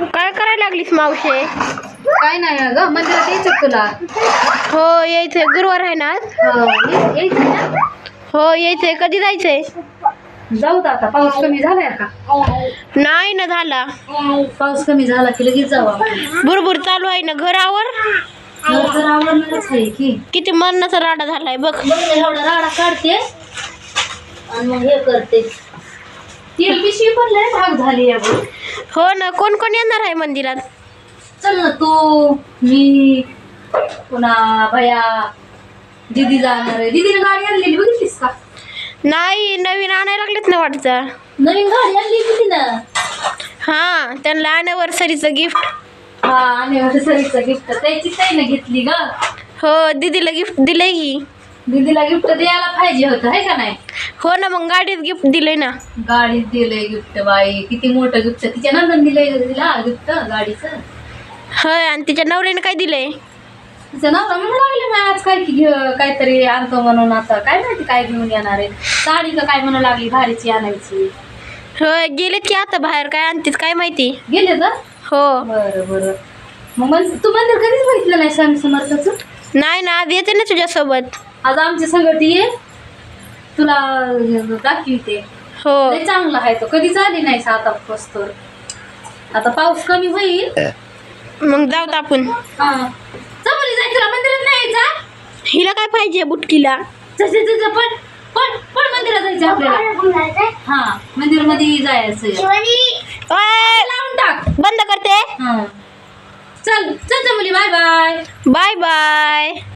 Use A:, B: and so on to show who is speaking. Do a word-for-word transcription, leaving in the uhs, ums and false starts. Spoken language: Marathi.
A: काय करायला लागलीस मावशे?
B: काय नाही ग, मंदिरात यायचं तुला?
A: हो यायचंय, गुरुवार आहे ना आज?
B: हो, ये- यायचं ना?
A: हो यायचंय. कधी जायचंय?
B: जाऊ तर आता. पाऊस कमी झालाय का?
A: नाही ना झाला.
B: पाऊस कमी झाला की लगेच जाऊ आपण.
A: बुरबुर चालू आहे ना. घरावर
B: घर तर आवडणारच आहे की.
A: किती मरणाचा राडा झालाय बघ.
B: बघ ना, एवढा राडा काढते आणि मग हे करते. तेल पिशवी पण लय महाग झाली आहे बघ.
A: हो ना. कोण कोण येणार आहे मंदिरात?
B: चल ना, तू, मी, पुन्हा भया, दीदी जाणार आहे. दीदीने गाडी आणलेली बघितलीस का?
A: नाही, नवीन आणायला लागलेत ना वाटतं.
B: नवीन गाडी आणली किती ना?
A: हा, त्यांना अॅनिव्हर्सरीचं गिफ्ट.
B: हा, अॅनिव्हर्सरीचं गिफ्ट त्याची ताईने घेतली ग.
A: हो, दीदीला गिफ्ट दिलंय की.
B: दीदीला गिफ्ट द्यायला पाहिजे होतं, आहे का नाही?
A: हो ना, मग गाडीत गिफ्ट दिलंय ना.
B: गाडीत दिलंय गिफ्ट. बाई किती मोठं गिफ्ट. तिच्या नंदन दिलंय तिला गिफ्ट गाडीचं.
A: होय, आणि तिच्या नवऱ्याने काय दिलंय?
B: तिचं नवरा म्हणून लागले मी आज काय की घे काहीतरी आणतो म्हणून. आता काय माहिती काय घेऊन येणार आहे. साडी का काय म्हणू लागली भारीची आणायची.
A: होय, गेलेत की आता बाहेर. काय आणतीत काय माहिती.
B: गेले तर?
A: हो.
B: बरं बरं. मग मन तू मंदिर कधीच बघितलं नाही स्वामी समर्थाचं?
A: नाही ना, आज येते ना तुझ्यासोबत.
B: आज आमच्या संगती ये, तुला दाखवते.
A: हो.
B: लय चांगला आहे तो. कधीच आली नाही आता पस्तोर. आता पाऊस कमी होईल
A: मग जाऊत आपण.
B: हा, चमली जाय. तुला मंदिरात नाही जा.
A: हिला काय पाहिजे बुटकीला?
B: जसे जसे पण पण पण मंदिरात जायचं आपल्याला. हा, मंदिर मध्ये जायचं.
A: ओय,
B: लावून टाक.
A: बंद करते.
B: हा, चल चल Chameli. Bye bye.
A: Bye bye.